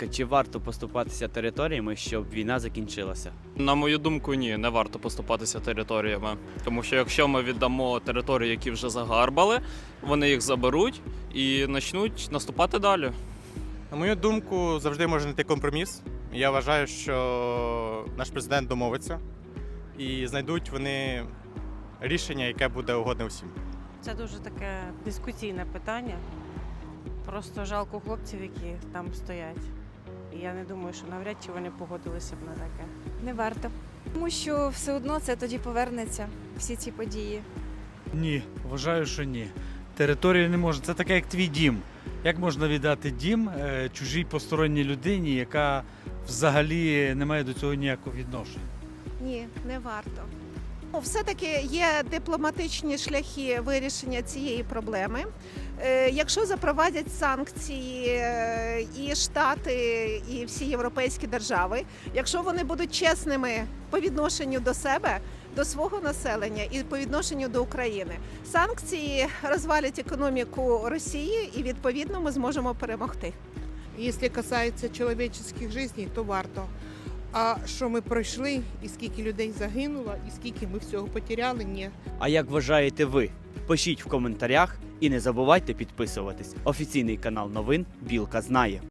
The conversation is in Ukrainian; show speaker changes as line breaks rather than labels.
ласка, чи варто поступатися територіями, щоб війна закінчилася?
На мою думку, ні, не варто поступатися територіями. Тому що якщо ми віддамо території, які вже загарбали, вони їх заберуть і почнуть наступати далі.
На мою думку, завжди може знайти компроміс. Я вважаю, що наш президент домовиться і знайдуть вони рішення, яке буде угодне всім.
Це дуже таке дискусійне питання. Просто жалко хлопців, які там стоять. І я не думаю, що навряд чи вони погодилися б на таке.
Не варто. Тому що все одно це тоді повернеться, всі ці події.
Ні, вважаю, що ні. Територію не можна. Це таке, як твій дім. Як можна віддати дім чужій посторонній людині, яка взагалі не має до цього ніякого відношення?
Ні, не варто. Все-таки є дипломатичні шляхи вирішення цієї проблеми. Якщо запровадять санкції і Штати, і всі європейські держави, якщо вони будуть чесними по відношенню до себе, до свого населення і по відношенню до України, санкції розвалять економіку Росії і, відповідно, ми зможемо перемогти.
Якщо касається чоловічських життів, то варто. А що ми пройшли, і скільки людей загинуло, і скільки ми всього потеряли, ні.
А як вважаєте ви? Пишіть в коментарях і не забувайте підписуватись. Офіційний канал новин «Білка знає».